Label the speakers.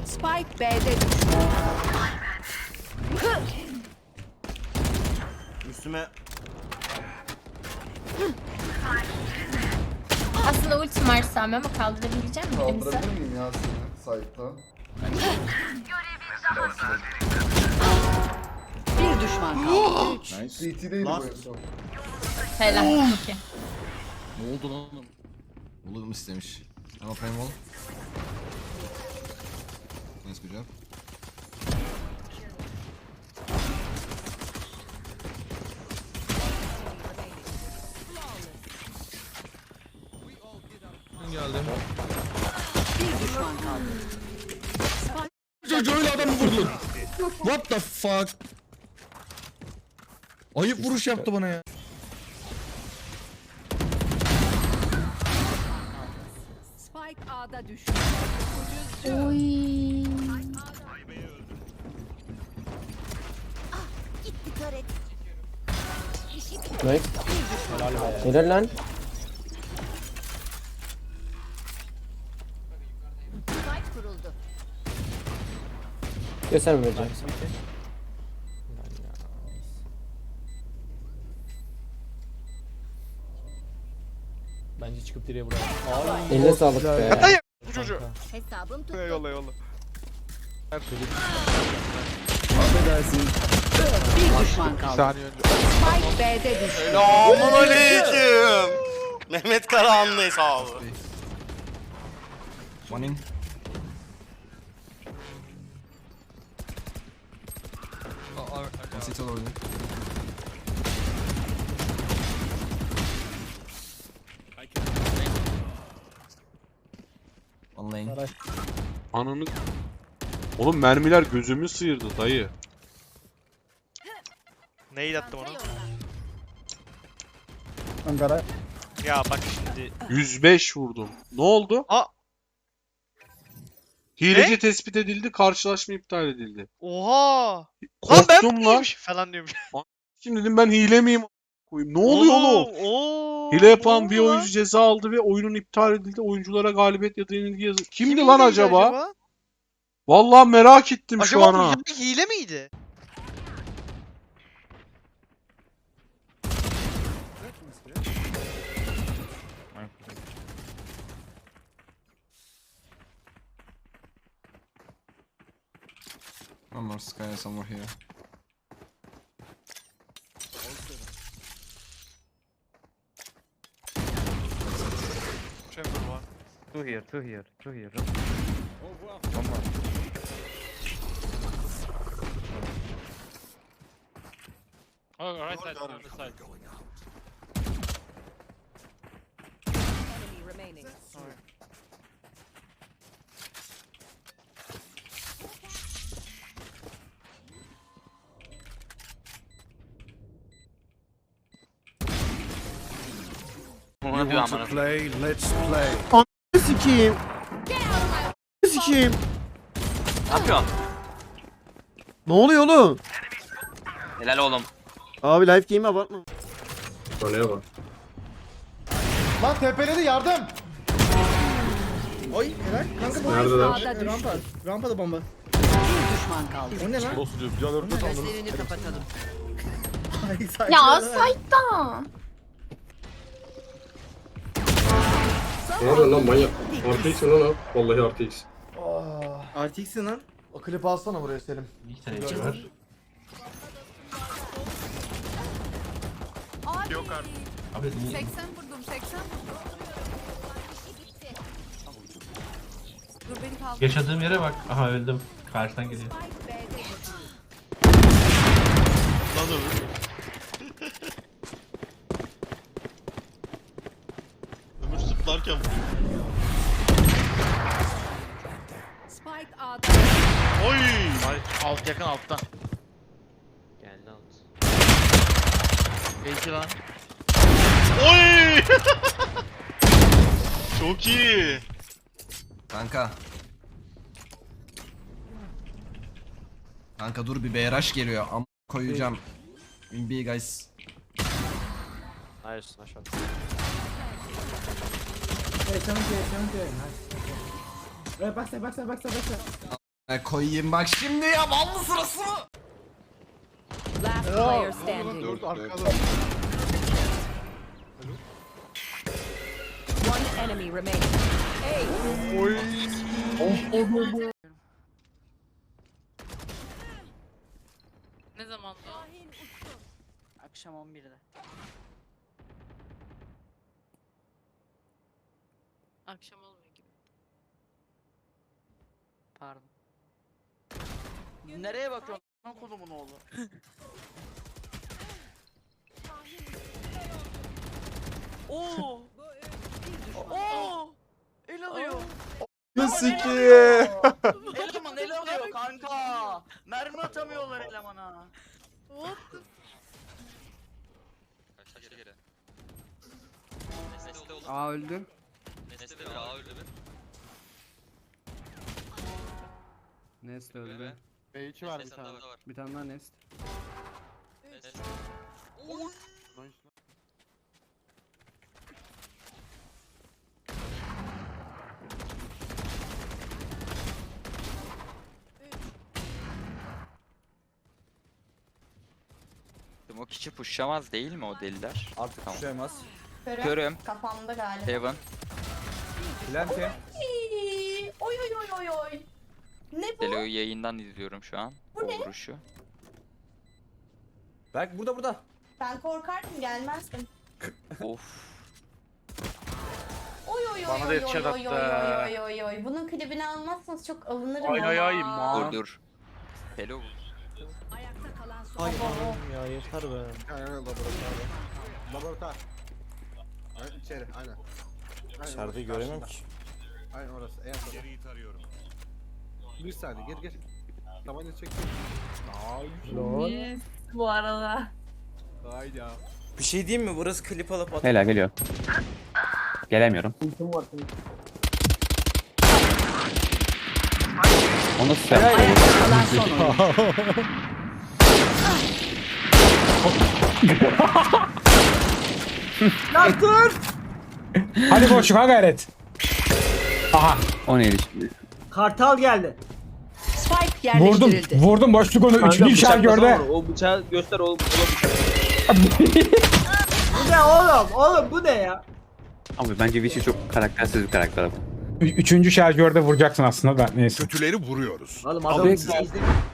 Speaker 1: Spike B'de düştü.
Speaker 2: Üstüme
Speaker 3: Aslında ultim var Sami ama kaldırabilecek misin birimizi?
Speaker 4: Kaldırabilir miyim ya seni site'dan?
Speaker 1: Bir düşman kaldı.
Speaker 4: CT'deydi bu en son.
Speaker 3: Helal. Okey.
Speaker 5: Ne oldu lan? Olur mu istemiş? Ama frame wall. Nice good job.
Speaker 6: Geldim.
Speaker 1: Bir düşman kaldı.
Speaker 6: Çocuğu öyle adamı vurdun. What the fuck? Ayıp vuruş yaptı bana ya.
Speaker 1: Spike A'da düştü.
Speaker 3: Oy.
Speaker 7: Nice. Helal lan. Gösterme bence.
Speaker 8: Bence çıkıp direğe vuralım.
Speaker 7: Eline sağlık be.
Speaker 9: Bu çocuğu.
Speaker 1: Hesabım tuttu.
Speaker 9: Yolla yolla.
Speaker 1: Bir düşman kaldı.
Speaker 9: Saniye önce.
Speaker 1: Spike B'de düştü.
Speaker 2: Selamun aleyküm. Mehmet Karahanlı hesabı.
Speaker 5: One in. One city already. One lane.
Speaker 10: Ananı... Oğlum mermiler gözümü sıyırdı dayı.
Speaker 9: Neyi attım onu?
Speaker 8: Ankara.
Speaker 9: Ya bak şimdi.
Speaker 10: 105 vurdum. Ne oldu?
Speaker 9: Aa!
Speaker 10: Hileci
Speaker 9: Ne?
Speaker 10: tespit edildi, karşılaşma iptal edildi.
Speaker 9: Oha! Lan ben
Speaker 10: Korktum lan.
Speaker 9: miymiş falan diyormuş.
Speaker 10: Şimdi dedim ben hile miyim? Koyayım. Ne oluyor oğlum? Hile yapan bir oyuncu ceza aldı ve oyunun iptal edildi. Oyunculara galibiyet ya da yenilgi yazı. Kimdi lan acaba? Vallahi merak ettim şu an
Speaker 9: Acaba
Speaker 10: ha.
Speaker 9: bu hile miydi?
Speaker 5: One more sky somewhere here.
Speaker 9: Chamber var.
Speaker 8: Two here.
Speaker 9: Oh, right side, on the side.
Speaker 1: Enemy remaining.
Speaker 7: Sikiyim. Sikiyim.
Speaker 2: Ne yapıyorsun?
Speaker 7: Ne oluyor oğlum?
Speaker 2: Helal oğlum.
Speaker 7: Abi live game'e abartma.
Speaker 4: Lan tepeledi yardım.
Speaker 8: Oy helal. Kanka
Speaker 1: Spike A'da düştü.
Speaker 8: Rampada bomba.
Speaker 1: Bir düşman kaldı.
Speaker 8: O ne lan?
Speaker 1: Gözlerini kapatalım.
Speaker 3: Ya site'da.
Speaker 1: Ne oluyor lan manyak?
Speaker 4: RTX lan o. Vallahi RTX.
Speaker 8: RTX'in lan.
Speaker 4: O klipi alsana buraya Selim.
Speaker 9: Yok artık.
Speaker 1: 80 vurdum 80 vurdum. Dur beni kaldır.
Speaker 8: Yaşadığım yere bak. Aha öldüm. Karşıdan geliyor.
Speaker 1: Spike B'de düştü.
Speaker 9: Lan öbür. Öbür zıplarken
Speaker 1: Spike A'da.
Speaker 9: Oy! Alt yakın altta.
Speaker 8: Geldi alt.
Speaker 9: Belki lan. Oy! Çok iyi.
Speaker 5: Kanka. Kanka dur bir BRH geliyor. Am koyacağım. In B guys.
Speaker 8: Nice aşağı.
Speaker 4: Backside.
Speaker 5: Koyayım bak şimdi ya ballı sırası mı?
Speaker 1: Last player standing.
Speaker 4: 4 arkada.
Speaker 1: One enemy remaining. Hey.
Speaker 3: Ne zaman bu?
Speaker 8: Akşam 11'de.
Speaker 3: Akşam olmuyor gibi.
Speaker 8: Pardon. Nereye bakıyorsun? Lan kolumun oğlu. Oo! Oo! El alıyor.
Speaker 4: Sikiye.
Speaker 8: Eleman el alıyor kanka. Mermi atamıyorlar elemana.
Speaker 3: What the
Speaker 8: Aa öldü. Nest öldü.
Speaker 4: B2 var bir tane.
Speaker 8: Bir tane daha Nest.
Speaker 2: O kişi pushlamaz değil mi o deliler?
Speaker 8: Artık
Speaker 2: Tamam.
Speaker 8: düşemez.
Speaker 2: Görüyorum.
Speaker 3: Kafamda galiba.
Speaker 2: Heaven.
Speaker 8: Plante.
Speaker 3: Oy oy oy oy oy. Ne bu?
Speaker 2: Delo'yu yayından izliyorum şu an.
Speaker 3: Bu
Speaker 2: O
Speaker 3: ne?
Speaker 2: vuruşu.
Speaker 8: Bak burada.
Speaker 3: Ben korkardım gelmezdim.
Speaker 2: Of.
Speaker 3: Oy oy oy
Speaker 9: Bana da
Speaker 3: oy
Speaker 9: yetişen
Speaker 3: oy oy
Speaker 9: hatta.
Speaker 3: oy oy oy. Bunun klibini almazsanız çok alınırım
Speaker 9: Ay ay ay,
Speaker 3: ama.
Speaker 2: Dur. Delo vur.
Speaker 1: Ayakta kalan son.
Speaker 4: Ya yeter be. Aynen laboratuvar. Laboratuvar. Aynen içeri aynen.
Speaker 7: İçerideyi göremem ki.
Speaker 4: Aynen orası. En son. Geriyi tarıyorum. Bir saniye gir. Tabanca çek.
Speaker 3: Yes, bu arada.
Speaker 4: Hayda.
Speaker 7: Bir şey diyeyim mi? Burası klip alıp at.
Speaker 8: Helal geliyor. Gelemiyorum. Onu sen.
Speaker 1: Ayakta kalan son oyuncu.
Speaker 8: Hadi boşluk ha gayret. Aha.
Speaker 6: O neydi şimdi?
Speaker 1: Kartal geldi. Spike yerleştirildi.
Speaker 8: Vurdum boşluk onu. Üçüncü işaret gördü.
Speaker 6: O bıçağı göster oğlum.
Speaker 1: Bu ne oğlum? Bu ne ya?
Speaker 6: Abi bence Vichy çok karaktersiz bir karakter.
Speaker 8: Üçüncü şarjörde vuracaksın aslında da neyse.
Speaker 9: Kötüleri vuruyoruz.
Speaker 1: Oğlum adam